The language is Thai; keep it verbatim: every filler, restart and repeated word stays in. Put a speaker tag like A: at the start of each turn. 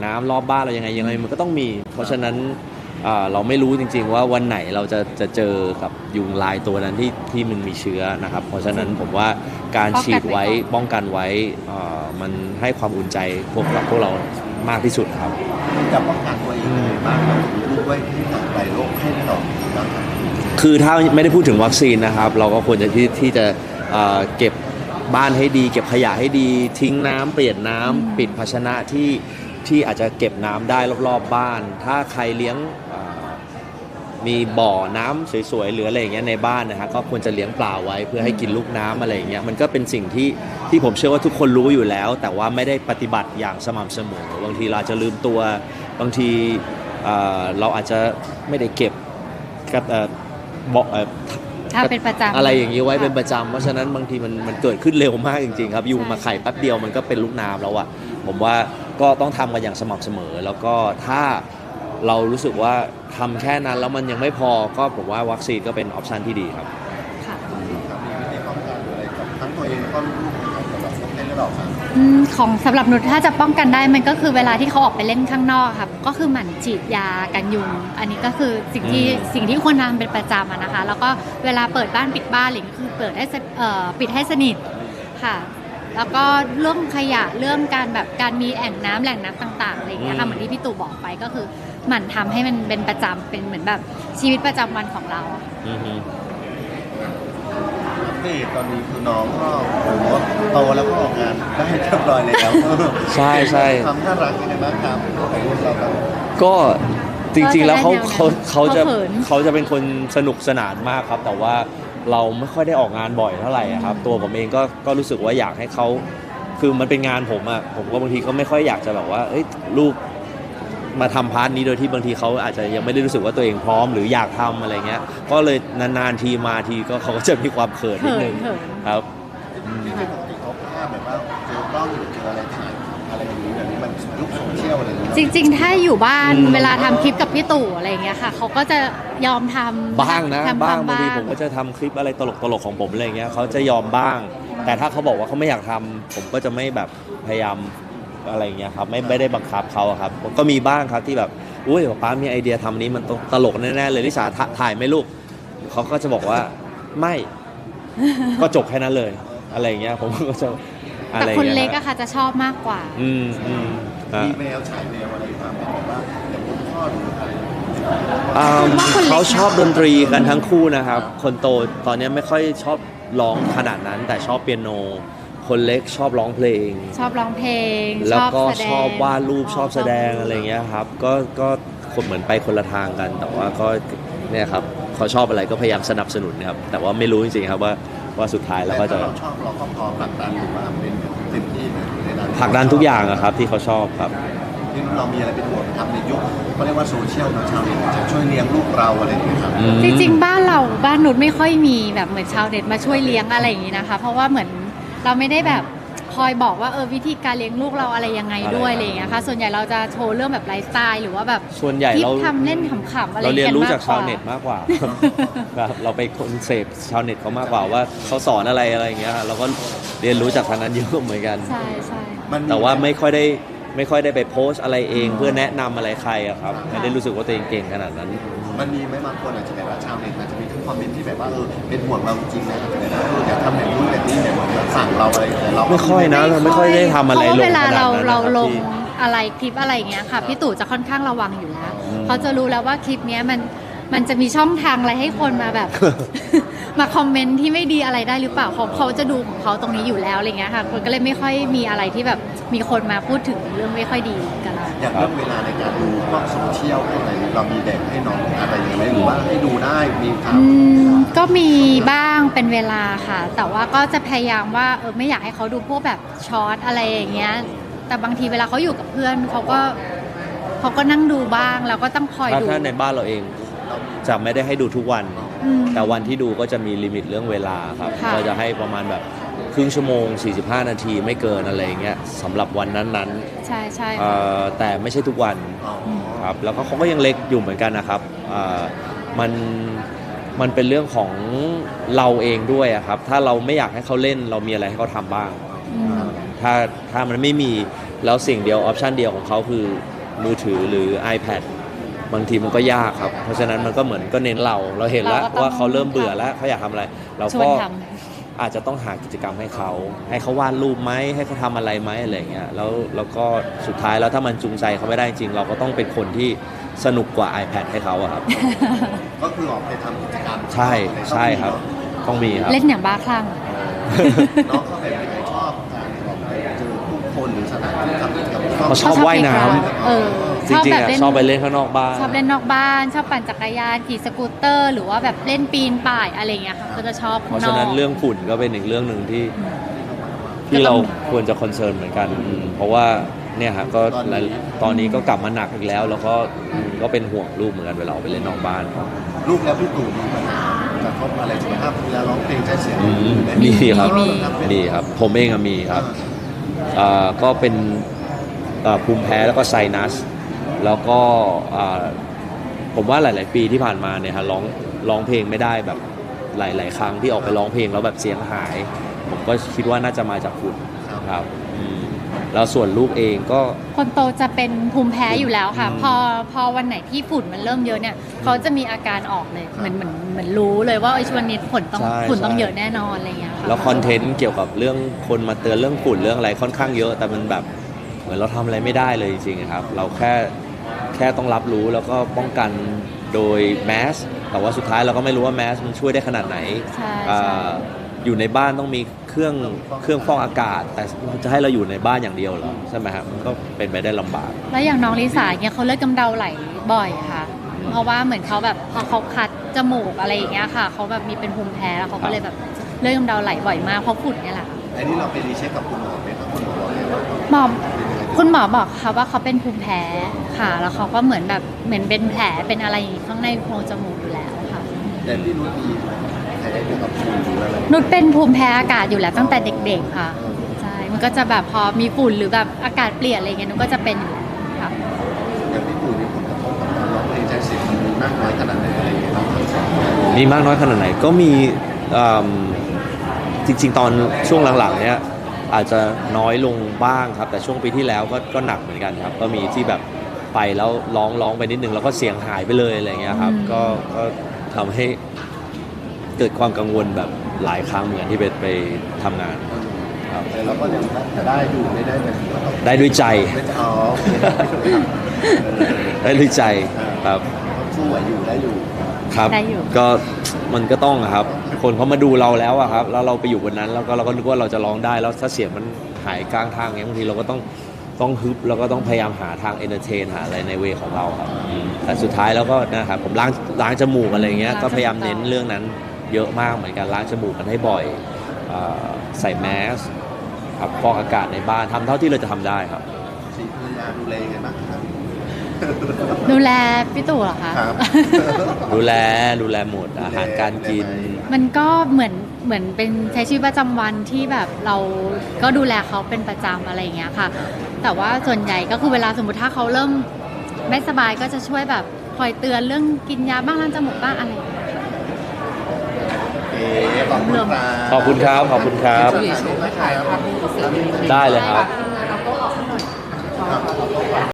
A: น้ำรอบบ้านเรายังไงยังไงมันก็ต้องมีเพราะฉะนั้นเราไม่รู้จริงๆว่าวันไหนเราจะจะเจอกับยุงลายตัวนั้นที่ที่มันมีเชื้อนะครับเพราะฉะนั้นผมว่าการฉีดไว้ป้องกันไว้มันให้ความอุ่นใจพวกเราพวกเรามากที่สุดครับ
B: จะป้องกันตัวเองบ้างรู้ไว้ที่ไหนโรคให้เรา
A: คือถ้าไม่ได้พูดถึงวัคซีนนะครับเราก็ควรจะที่ที่จะเก็บบ้านให้ดีเก็บขยะให้ดีทิ้งน้ำเปลี่ยนน้ำปิดภาชนะที่ที่อาจจะเก็บน้ำได้รอบๆบ้านถ้าใครเลี้ยงมีบ่อน้ำสวยๆหรืออะไรอย่างเงี้ยในบ้านนะฮะก็ควรจะเลี้ยงปลาไว้เพื่อให้กินลูกน้ำอะไรอย่างเงี้ยมันก็เป็นสิ่งที่ที่ผมเชื่อว่าทุกคนรู้อยู่แล้วแต่ว่าไม่ได้ปฏิบัติอย่างสม่ำเสมอบางทีเราจะลืมตัวบางทีเราอาจจะไม่ได้เก็บกับบ่อ
C: เป็นประจำ
A: อะไรอย่างนี้ไว้เป็นประจำเพราะฉะนั้นบางทีมันมันเกิดขึ้นเร็วมากจริงๆครับยุงมาไข่แป๊บเดียวมันก็เป็นลูกน้ำแล้วอ่ะผมว่าก็ต้องทำกันอย่างสม่ำเสมอแล้วก็ถ้าเรารู้สึกว่าทำแค่นั้นแล้วมันยังไม่พอก็ผมว่าวัคซีนก็เป็นออปชันที่ดีครับ
B: ค่ะมีวิธีป้องกันอะไรกับทั้งตัวเองแล้วก็ลูกๆสำหรับคนเล่นระดับสาม
C: ของสำหรับนุชถ้าจะป้องกันได้มันก็คือเวลาที่เขาออกไปเล่นข้างนอกครับก็คือหมั่นฉีดยากันยุงอันนี้ก็คือสิ่งที่สิ่งที่ควรทำเป็นประจำนะคะแล้วก็เวลาเปิดบ้านปิดบ้านหรือคือเปิดให้ปิดให้สนิทค่ะแล้วก็เรื่องขยะเรื่องการแบบการมีแอ่งน้ำแหล่งน้ำต่างๆอะไรอย่างเงี้ยค่ะเหมือนที่พี่ตู่บอกไปก็คือหมั่นทำให้มันเป็นประจำเป็นเหมือนแบบชีวิตประจำวันของเรา
B: นี่ตอนนี้คือน้องก็โตแล้วก็ออกงานได้เรียบร้อยแล้ว
A: ใช่ใช่
B: ทำน่ารักยังไงบ้างครับของลูกเราครับ
A: ก็จริงๆแล้วเขาเขาเขาจะเขาจะเป็นคนสนุกสนานมากครับแต่ว่าเราไม่ค่อยได้ออกงานบ่อยเท่าไหร่ครับตัวผมเองก็ก็รู้สึกว่าอยากให้เขาคือมันเป็นงานผมอะผมก็บางทีก็ไม่ค่อยอยากจะแบบว่าเอ้ยลูกมาทำพาร์ทนี้โดยที่บางทีเขาอาจจะยังไม่ได้รู้สึกว่าตัวเองพร้อมหรืออยากทำอะไรเงี้ยก็เลยนานๆทีมาทีก็เขาก็จะมีความเขินนิดนึงครับ
B: ที่เป็นปกติเขาภาพแบบว่าเจอกล้องหรือเจออะไรถ่ายอะไรอย่างนี้แบบนี้มันยุคโซเชียลอะไรอย่างเงี้ย
C: จริงๆถ้าอยู่บ้านเวลาทำคลิปกับพี่ตู่อะไรเงี้ยค่ะเขาก็จะยอมทำ
A: บ้างนะบ้างบางทีผมก็จะทำคลิปอะไรตลกๆของผมอะไรเงี้ยเขาจะยอมบ้างแต่ถ้าเขาบอกว่าเขาไม่อยากทำผมก็จะไม่แบบพยายามอะไรเงี้ยครับไม่ไม่ได้บังคับเขาครับก็มีบ้างครับที่แบบอุ้ยป้ามีไอเดียทำนี้มันตลกแน่ๆเลยลิสาถ่ายไหมลูกเขาก็จะบอกว่าไม่ก็จบแค่นั้นเลยอะไรเงี้ยผมก็จะ
C: แต่คนเล็กอะค่ะจะชอบมากกว่า
A: อืมอืม
B: มีแววฉายแววอะไรความเป็นแบบว่าอย่างคุณพ่อหรืออะไร
A: เขาชอบดนตรีกันทั้งคู่นะครับคนโตตอนนี้ไม่ค่อยชอบร้องขนาดนั้นแต่ชอบเปียโนคนเล็กชอบร้องเพลง
C: ชอบร้องเพลง
A: แล้วก็ชอบวาดรูปชอบแสดงอะไรเงี้ยครับก็ก็คนเหมือนไปคนละทางกันแต่ว่าก็เนี่ยครับเขาชอบอะไรก็พยายามสนับสนุนนะครับแต่ว่าไม่รู้จริงๆครับว่าว่าสุดท้ายแล้วก็จะ
B: ชอบเราก็พอผลักดันหรือว่าเป็นเต็มที่ในด้าน
A: ผลักดันทุกอย่างครับที่เขาชอบครับ
B: ที่เรามีอะไรเป็นห่วงทำในยุคเขาเรียกว่าโซเชียลนะชาวเน็ตจะช่วยเลี้ยงลูกเราอะไรอย่างเงี้ยครับ
C: จริงๆบ้านเราบ้านนุชไม่ค่อยมีแบบเหมือนชาวเน็ตมาช่วยเลี้ยงอะไรอย่างงี้นะคะเพราะว่าเหมือนเราไม่ได้แบบคอยบอกว่าเออวิธีการเลี้ยงลูกเราอะไรยังไงด้วยอะไรอย่างเงี้ยค่ะส่วนใหญ่เราจะโชว์เรื่องแบบไลฟ์สไตล์หรือว่าแบบ
A: ส่วนใหญ่เรา
C: ทำเล่นขำๆอะไร
A: เราเรียนรู้จากชาวเน็ตมากกว่าครับเราไปคนเสพชาวเน็ตเขามากกว่าว่าเขาสอนอะไรอะไรอย่างเงี้ยเราก็เรียนรู้จากทางนั้นเยอะเหมือนกัน
C: ใช่ใช่
A: แต่ว่าไม่ค่อยได้ไม่ค่อยได้ไปโพสอะไรเองเพื่อแนะนำอะไรใครอะครับไม่ได้รู้สึกว่าตัวเองเก่งขนาดนั้น
B: มันมีไหมบางคนอาจจะแบบว่าชาวเน็ตอาจจะมีทั้งคอมเมนต์ที่แบบว่าเออเป็นห่วงเราจริงนะอาจจะแบบว่าอยากทำแบบนู้นแบบนี้แบบเหมือนสั่งเราอะไรแต่เรา
A: ไม่ค่อยนะเราไม่ค่อยได้ทำอะไรลงขนาดนั้น
C: เวลาเราเราลงอะไรคลิปอะไรอย่างเงี้ยค่ะพี่ตู่จะค่อนข้างระวังอยู่แล้วเขาจะรู้แล้วว่าคลิปเนี้ยมันมันจะมีช่องทางอะไรให้คนมาแบบ มาคอมเมนต์ที่ไม่ดีอะไรได้หรือเปล่าเขาเขาจะดูของเขาตรงนี้อยู่แล้วอะไรเงี้ยค่ะคนก็เลยไม่ค่อยมีอะไรที่แบบมีคนมาพูดถึงเรื่องไม่ค่อยดีกัน
B: อย่างเรื่องเวลาในการดูพวกโซเชียลอะไรเรามีแบ่งให้น้องอะไรอย่างไรหรือว่าให้ดูได้มีครับ
C: ก็มีบ้างเป็นเวลาค่ะแต่ว่าก็จะพยายามว่าเออไม่อยากให้เขาดูพวกแบบช็อตอะไรอย่างเงี้ยแต่บางทีเวลาเขาอยู่กับเพื่อนเขาก็เขาก็นั่งดูบ้างแล้วก็ต้องคอยดู
A: ถ้าในบ้านเราเองจะไม่ได้ให้ดูทุกวันแต่วันที่ดูก็จะมีลิมิตเรื่องเวลาครับเราจะให้ประมาณแบบครึ่งชั่วโมงสี่สิบห้านาทีไม่เกินอะไรเงี้ยสำหรับวันนั้น
C: ๆใช่ใช่
A: แต่ไม่ใช่ทุกวันครับแล้วก็เขาก็ยังเล็กอยู่เหมือนกันนะครับมันมันเป็นเรื่องของเราเองด้วยครับถ้าเราไม่อยากให้เขาเล่นเรามีอะไรให้เขาทำบ้างถ้าถ้ามันไม่มีแล้วสิ่งเดียวออปชันเดียวของเขาคือมือถือหรือ iPad บางทีมันก็ยากครับเพราะฉะนั้นมันก็เหมือนก็เน้นเราเราเห็นแล้ว
C: เราก็ต้อง
A: ว่าเขาเริ่มเบื่อแล้วเขาอยากทำอะไร เรา
C: ชว
A: ก็
C: นท
A: อาจจะต้องหากิจกรรมให้เขาให้เขาวาดรูปไหมให้เขาทำอะไรไหมอะไรเงี้ยแล้วแล้วก็สุดท้ายแล้วถ้ามันจูงใจเขาไม่ได้จริงเราก็ต้องเป็นคนที่สนุกกว่า iPad ให้เขาอะครับ
B: ก็คือออกไปทำกิจกรรม
A: ใช่ใช่ครับต้องมีครับ
C: เล่นอย่างบ้าคลั่ง
B: น้องเขาแบบไหนชอบการออกไปเจอผู้คนหรือสถานที่ทำกิจกรรม
A: เขาชอบว่ายน้ำ
C: เออ
A: จริงๆอะชอบไปเล่นข้างนอกบ้าน
C: ชอบเล่นนอกบ้าน ชอบปั่นจักรยานขี่สกูตเตอร์ หรือว่าแบบเล่นปีนป่ายอะไรอย่างเงี้ยค่ะก็จะชอบ
A: เพราะฉะนั้นเรื่องฝุ่นก็เป็นอีกเรื่องหนึ่งที่ที่เราควรจะคอนเซิร์นเหมือนกันอืมเพราะว่าเนี่ยฮะก็ตอนนี้ก็กลับมาหนักอีกแล้ว แล้วก็อืมก็เป็นห่วงลูกเหมือนกันเวลาออกไปเล่นนอกบ้านครับ
B: ลูกแล้วพี่ตู่มีปัญหากระทบอะไรสุขภาพเวลาร้องเพลงใช้เสียง
A: อืมมีครับมีครับ ผมเองอะมีครับอ่าก็เป็นอ่าภูมิแพ้แล้วก็ไซนัส แล้วก็อ่าผมว่าหลาย ๆ ปีที่ผ่านมาเนี่ยฮะร้องร้องเพลงไม่ได้แบบหลาย ๆ ครั้งที่ออกไปร้องเพลงแล้วแบบเสียงหาย ผมก็คิดว่าน่าจะมาจากฝุ่นครับอืมแล้วส่วนลูกเองก็
C: คนโตจะเป็นภูมิแพ้อยู่แล้วค่ะ
A: อืม
C: พอพอวันไหนที่ฝุ่นมันเริ่มเยอะเนี่ยเขาจะมีอาการออกเลยเหมือนเหมือนเหมือนรู้เลยว่าไอ้ยช่วงนี้ฝนต้อง
A: ใช่
C: ฝุ่นต้อง
A: ใช่
C: เยอะแน่นอนอะไรอย่างเงี้ยค่ะ
A: แล้วคอนเทนต์เกี่ยวกับเรื่องคนมาเตือนเรื่องฝุ่นเรื่องอะไรค่อนข้างเยอะ แต่มันแบบเหมือนเราทำอะไรไม่ได้เลยจริงๆครับ เราแค่แค่ต้องรับรู้แล้วก็ป้องกันโดยแมสแต่ว่าสุดท้ายเราก็ไม่รู้ว่าแมสมันช่วยได้ขนาดไหน
C: ใช่
A: อ่
C: ใช่
A: าอยู่ในบ้านต้องมีเครื่องเครื่องฟอกอากาศ แต่จะให้เราอยู่ในบ้านอย่างเดียวเหรอใช่ไหมครับมันก็เป็นไปได้ลำบาก
C: แล้วอย่างน้องลิสาเนี่ยเขาเลือดกำเดาไหลบ่อยค่ะ เพราะว่าเหมือนเขาแบบพอเขาคัดจมูกอะไรอย่างเงี้ยค่ะเขาแบบมีเป็นภูมิแพ้แล้วเขาก็เลยแบบเลือดกำเดาไหลบ่อยมากเพราะฝุ่นเนี่ยแหละ
B: อันนี้เราไปรีเช็คกับคุณหมอไหมครับคุณหมอบอกเลยว่า
C: หมอคุณหมอบอกค่ะว่าเขาเป็นภูมิแพ้ค่ะ แล้วเขาก็เหมือนแบบเหมือนเป็นแผลเป็นอะไรข้างในโพรงจมูกอยู่แล้วค่ะ
B: แต่พี่นุชมีแผลเกี่ยวกับฝุ่นหรืออะไร
C: นุชเป็นภูมิแพ้อากาศอยู่แล้วตั้งแต่เด็กๆค่ะใช่มันก็จะแบบพอมีฝุ่นหรือแบบอากาศเปลี่ยนอะไรเงี้ยนุชก็จะเป็นอยู่แล้วค่ะ
B: อย่างพี่ตู่มีผลกระทบกับการร้องเพลงใช้เสียงมันมีมากน้อยขนาดไหนอะไรอย่างเงี้ยครับ
A: มีมากน้อยขนาดไหนก็มีอืมจริงๆ ตอนช่วงหลังๆเนี้ยอาจจะน้อยลงบ้างครับ แต่ช่วงปีที่แล้วก็ก็หนักเหมือนกันครับ ก็มีที่แบบไปแล้วร้องร้องไปนิดนึงแล้วก็เสียงหายไปเลยอะไรเงี้ยครับ
C: อืม
A: ก็ก็ทำให้เกิดความกังวลแบบหลายครั้งเหมือนกันที่ไปไปทำงานครับ
B: แต่เราก็ยังจะได้อยู่ไม่ได้แบบว่าต้อง
A: ได้ด้วยใจ
B: ไม่จะเอาโอเคได้ครับเออ
A: ได้ด้วยใจครับ
B: สู้ไหวอยู่ได้อยู่
A: ครับ
C: ได้อยู่
A: ก็มันก็ต้องอะครับ คนเขามาดูเราแล้วอะครับ แล้วเราไปอยู่บนนั้นแล้วก็เราก็นึกว่าเราจะร้องได้ แล้วถ้าเสียงมันหายกลางทางเงี้ยบางทีเราก็ต้องต้องฮึบแล้วก็ต้องพยายามหาทางเอนเตอร์เทนหาอะไรในเวของเราครับอืมแต่สุดท้ายแล้วก็นะครับผมล้างล้างจมูกอะไรเงี้ย
C: ล้างจมูก
A: ก็พยายามเน้นเรื่องนั้นเยอะมากเหมือนกันล้างจมูกกันให้บ่อยเอ่อใส่แมสครับฟอกอากาศในบ้านทำเท่าที่เราจะทำได้ครับ
B: สีภรรยาดูแลยังไงบ้างครับ
C: ดูแลพี่ตู่เหรอคะ
B: ครับ
A: ดูแลดูแลหมดอาหารการกิน
C: มันก็เหมือนเหมือนเป็นใช้ชีวิตประจำวันที่แบบเราก็ดูแลเขาเป็นประจำอะไรอย่างเงี้ยค่ะ แต่ว่าส่วนใหญ่ก็คือเวลาสมมติถ้าเขาเริ่มไม่สบายก็จะช่วยแบบคอยเตือนเรื่องกินยาบ้างล้างจมูกบ้างอะไรอย่างเงี้ยค่ะ
B: โอเคขอบคุณครับ
A: ขอบคุณครับขอบคุณครับ
B: ถ่ายภาพนี้
A: ได้เลยครับ
C: ไ